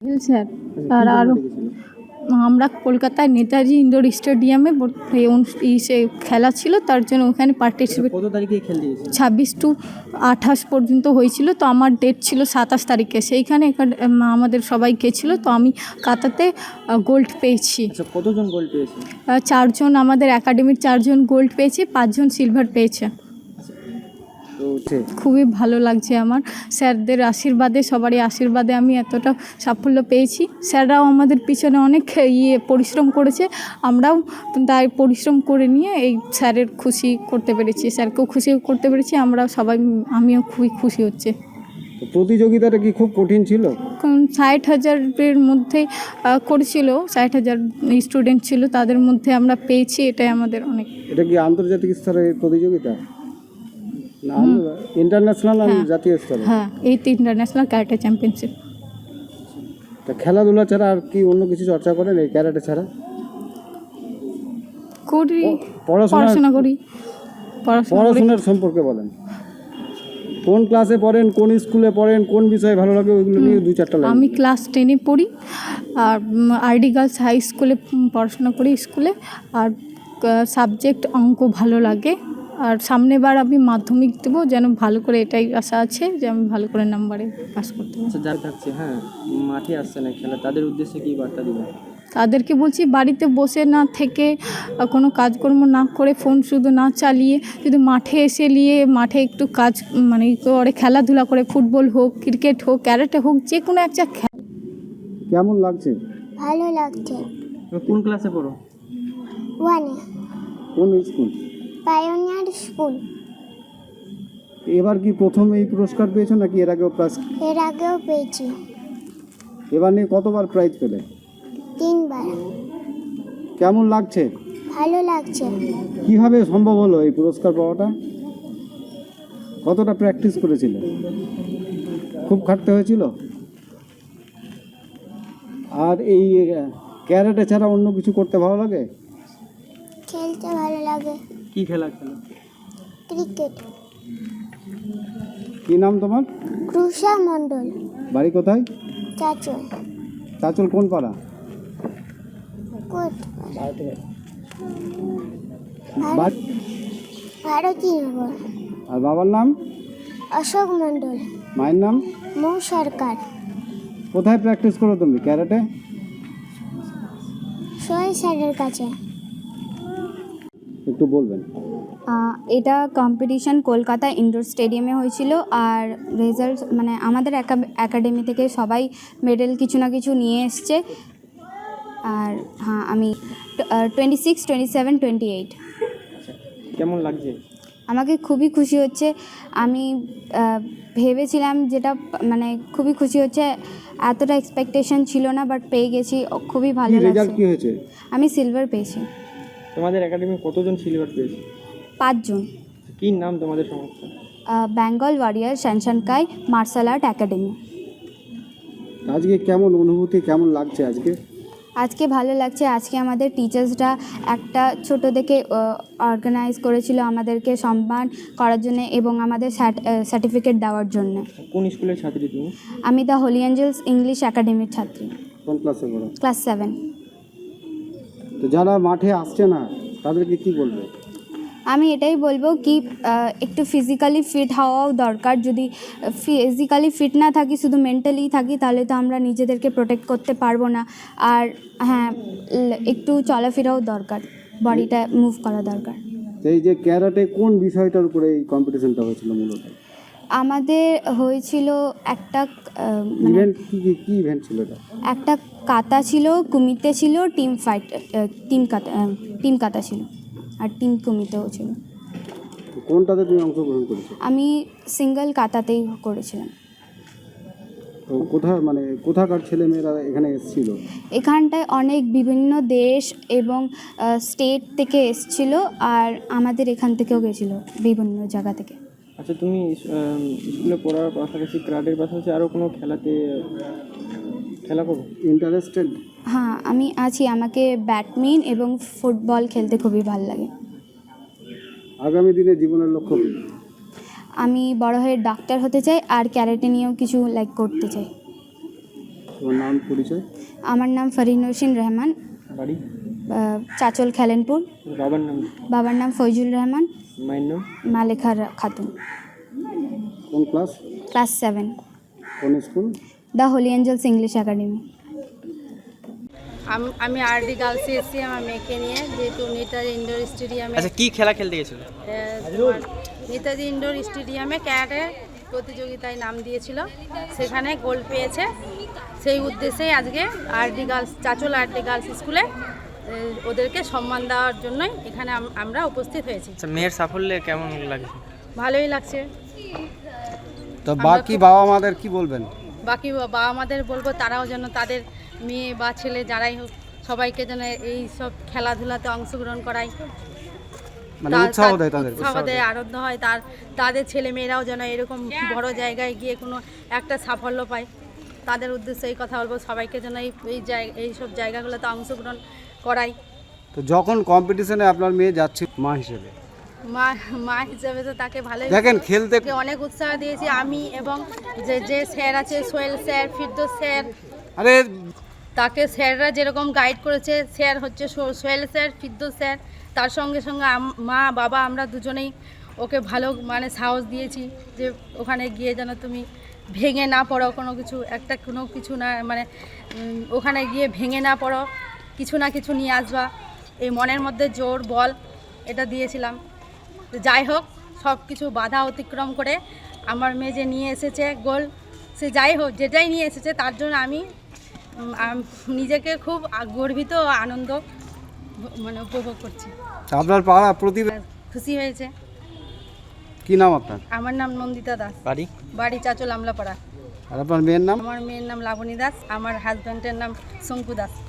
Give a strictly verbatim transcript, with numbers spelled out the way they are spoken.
Sir আর আরও আমরা কলকাতায় নেতাজি ইন্ডোর স্টেডিয়ামে খেলা ছিল, তার জন্য ওখানে পার্টিসিপেট কত তারিখে খেলতে গেছিল? ছাব্বিশ টু আঠাশ পর্যন্ত হয়েছিল। তো আমার ডেট ছিল সাতাশ তারিখে, সেইখানে আমাদের সবাই গেছিলো। তো আমি কাতাতে গোল্ড পেয়েছি। কতজন গোল্ড পেয়েছে? চারজন, আমাদের একাডেমির চারজন গোল্ড পেয়েছে, পাঁচজন সিলভার পেয়েছে। খুবই ভালো লাগছে আমার, স্যারদের আশীর্বাদে, সবারই আশীর্বাদে আমি এতটা সাফল্য পেয়েছি। স্যাররাও আমাদের পিছনে অনেক ইয়ে পরিশ্রম করেছে, আমরাও তাই পরিশ্রম করে নিয়ে এই স্যারের খুশি করতে পেরেছি, স্যারকেও খুশি করতে পেরেছি। আমরা সবাই, আমিও খুবই খুশি হচ্ছে। প্রতিযোগিতাটা কি খুব কঠিন ছিল? ষাট হাজারের মধ্যে করেছিল, ষাট হাজার স্টুডেন্ট ছিল, তাদের মধ্যে আমরা পেয়েছি, এটাই আমাদের অনেক। এটা কি আন্তর্জাতিক স্তরের প্রতিযোগিতা না ইন্টারন্যাশনাল আর জাতীয় স্তরে? হ্যাঁ, এই তো ইন্টারন্যাশনাল ক্যারাটে চ্যাম্পিয়নশিপ। তা খেলাধুলা ছাড়া আর কি অন্য কিছু চর্চা করেন এই ক্যারাটে ছাড়া? করি, পড়াশোনা করি। পড়াশোনার সম্পর্কে বলেন, কোন ক্লাসে পড়েন, কোন স্কুলে পড়েন, কোন বিষয়ে ভালো লাগে, ওইগুলো নিয়ে দু চারটা লাইন। আমি ক্লাস টেনে পড়ি আর আরডি গার্লস হাই স্কুলে পড়াশোনা করি স্কুলে। আর সাবজেক্ট অঙ্ক ভালো লাগে। আর সামনেবার আমি মাধ্যমিক দেবো, যেন ভালো করে, এটাই আশা আছে যে আমি ভালো করে নাম্বারে পাস করতে পারি। আচ্ছা, যারা থাকছে হ্যাঁ মাঠে আসছে না খেলা, তাদের উদ্দেশ্যে কী বার্তা দিবেন? তাদেরকে বলছি, বাড়িতে বসে না থেকে, কোনো কাজকর্ম না করে, ফোন শুধু না চালিয়ে, শুধু মাঠে এসে নিয়ে মাঠে একটু কাজ মানে করে খেলাধুলা করে, ফুটবল হোক, ক্রিকেট হোক, ক্যারাটে হোক, যে কোনো একটা খেলা। কেমন লাগছে? ভালো লাগছে। কোন ক্লাসে পড়ো? ওয়ানে। কোন স্কুল? Pioneer school. এবার কি প্রথম এই পুরস্কার পেয়েছো নাকি এর আগেও প্রাইজ? এর আগেও পেয়েছি। এবার নিয়ে কতবার প্রাইজ পেলে? তিনবার। কেমন লাগছে? ভালো লাগছে। কিভাবে সম্ভব হলো এই পুরস্কার পাওয়াটা? কতটা প্র্যাকটিস করেছিলে? খুব খাটতে হয়েছিল? আর এই ক্যারাটে ছাড়া অন্য কিছু করতে ভালো লাগে? খেলতে ভালো লাগে। কি খেলা খেলো? ক্রিকেট। কি নাম তোমার? ক্রুষা মণ্ডল। বাড়ি কোথায়? চাচল। চাচল কোন পাড়া? কোট বাড়ি- ভারতীনগর। আর বাবার নাম? অশোক মণ্ডল। মায়ের নাম? মৌ সরকার। কোথায় প্র্যাকটিস করো তুমি ক্যারাটে? সোহেল স্যারের কাছে। একটু বলবেন। এটা কম্পিটিশন কলকাতা ইনডোর স্টেডিয়ামে হয়েছিল। আর রেজাল্ট মানে আমাদের একাডেমি থেকে সবাই মেডেল কিছু না কিছু নিয়ে এসছে। আর হ্যাঁ, আমি twenty six twenty seven twenty eight. কেমন লাগছে? আমাকে খুবই খুশি হচ্ছে। আমি ভেবেছিলাম যেটা মানে খুবই খুশি হচ্ছে, এতটা এক্সপেকটেশন ছিল না, বাট পেয়ে গেছি, খুবই ভালো লাগছে। কি হয়েছে? আমি সিলভার পেয়েছি। তোমাদের একাডেমি কতজন সিলভার পেয়েছে? পাঁচজন। কী নাম তোমাদের সংস্থা? বেঙ্গল ওয়ারিয়ার শ্যানশানকাই মার্শাল আর্ট একাডেমি। আজকে কেমন অনুভূতি, কেমন লাগছে আজকে? আজকে ভালো লাগছে। আজকে আমাদের টিচার্সরা একটা ছোট থেকে অর্গানাইজ করেছিল আমাদেরকে সম্মান করার জন্য এবং আমাদের সার্টিফিকেট দেওয়ার জন্য। কোন স্কুলের ছাত্রী তুমি? আমি দ্য হোলি অ্যাঞ্জেলস ইংলিশ একাডেমির ছাত্রী। কোন ক্লাসে পড়ো? Class seven. তো যারা মাঠে আসছে না তাদেরকে কি বলবে? আমি এটাই বলবো কি একটু ফিজিক্যালি ফিট হওয়াও দরকার। যদি ফিজিক্যালি ফিট না থাকি, শুধু মেন্টালি থাকি, তাহলে তো আমরা নিজেদেরকে প্রোটেক্ট করতে পারবো না। আর হ্যাঁ, একটু চলাফেরাও দরকার, বডিটা মুভ করা দরকার। এই যে ক্যারাটে কোন বিষয়টার উপরে এই কম্পিটিশনটা হয়েছিল মূলত? আমাদের হয়েছিল একটা ইভেন্ট কি কি কি ইভেন্ট ছিল এটা? একটা কাতা ছিল, কুমিতে ছিল, team fight, team kata team kata ছিল, আর টিম কুমিতেও ছিল। কোনটাতে তুমি অংশগ্রহণ করেছো? আমি সিঙ্গেল কাতাতেই করেছিলাম। তো কোথায় মানে কোথাকার ছেলেমেয়েরা এখানে এসেছিল? এখানটায় অনেক বিভিন্ন দেশ এবং স্টেট থেকে এসেছিল, আর আমাদের এখান থেকেও গেছিলো বিভিন্ন জায়গা থেকে। আচ্ছা, তুমি স্কুলে পড়ার পাশাপাশি ক্রাডের পাশাপাশি আরও কোনো খেলাতে খেলা করো? ইন্টারেস্টেড? হ্যাঁ, আমি আছি। আমাকে ব্যাডমিন্টন এবং ফুটবল খেলতে খুবই ভালো লাগে। আগামী দিনে জীবনের লক্ষ্য কী? আমি বড় হয়ে ডাক্তার হতে চাই, আর ক্যারাটে নিয়েও কিছু লাইক করতে চাই। তোমার নাম পরিচয়? আমার নাম ফরিনুসিন রহমান, বাড়ি? আহ, চাচল খেলেনপুর। বাবার নাম? বাবার নাম ফৈজুল রহমান, মায়ের নাম? মালেখা রা- খাতুন। কোন ক্লাস? ক্লাস সেভেন, কোন school? The holy angels English academy. আম- আমি আরডি গার্লসে এসেছি আমার মেয়েকে নিয়ে, যেহেতু নেতাজি ইনডোর স্টেডিয়ামে আচ্ছা, কি খেলা খেলতে গেছিল? আহ, তোমার নেতাজি ইনডোর স্টেডিয়ামে ক্যারাটে প্রতিযোগিতায় নাম দিয়েছিল, সেখানে গোল্ড পেয়েছে। সেই উদ্দেশ্যে আজকে আরডি গার্লস চাচল আরডি গার্লস স্কুলে আহ, ওদেরকে সম্মান দেওয়ার জন্যই এখানে আম- আমরা উপস্থিত হয়েছি। আচ্ছা, মেয়ের সাফল্যে কেমন লাগে? ভালোই লাগছে। তো বাকি বাবা মাদের কি বলবেন? বাকি বা- বাবা মাদের বলবো তারাও যেন তাদের মেয়ে বা ছেলে যারাই হোক সবাইকে যেন এই সব খেলাধুলাতে অংশগ্রহণ করায়, মানে তা- উৎসাহ তা- দেয় তাদের? উৎসাহ দেয়, আনন্দ হয়, তার তাদের ছেলে মেয়েরাও যেন এরকম বড় জায়গায় গিয়ে কোনো একটা সাফল্য পায়। তাদের উদ্দেশ্যে এই কথা বলবো, সবাইকে যেন এই এই জায়গা এই সব জায়গাগুলোতে অংশগ্রহণ করাই। তো যখন কম্পিটিশনে আপনার মেয়ে যাচ্ছে মা হিসেবে, মা মা হিসাবে তো তাকে ভালোই দেখেন খেলতে তাকে অনেক উৎসাহ দিয়েছি আমি, এবং যে যে স্যার আছে সোহেল স্যার, ফিরদৌস স্যার, আরে তাকে স্যাররা যেরকম গাইড করেছে, স্যার হচ্ছে সো- সোহেল স্যার, ফিরদৌস স্যার, তার সঙ্গে সঙ্গে আম- মা বাবা আমরা দুজনেই ওকে ভালো মানে সাহস দিয়েছি যে ওখানে গিয়ে যেন তুমি ভেঙে না পড়ো, কোনো কিছু একটা কোনো কিছু না মানে উম, ওখানে গিয়ে ভেঙে না পড়ো, কিছু না কিছু নিয়ে আসবা, এই মনের মধ্যে জোর বল এটা দিয়েছিলাম। তো যাই হোক, সব কিছু বাধা অতিক্রম করে আমার মেয়ে যে নিয়ে এসেছে গোল, সে যাই হোক যেটাই নিয়ে এসেছে তার জন্য আমি উম, আম- নিজেকে খুব আ- গর্বিত ও আনন্দ ভ- মানে উপভোগ করছি। আপনার পাড়া প্রতিভা খুশি হয়েছে। কি নাম আপনার? আমার নাম নন্দিতা দাস, বাড়ি? বাড়ি চাচল আমলাপাড়া। আর আপনার মেয়ের নাম? আমার মেয়ের নাম লাবণী দাস, আমার হাজব্যান্ডের নাম শঙ্কু দাস।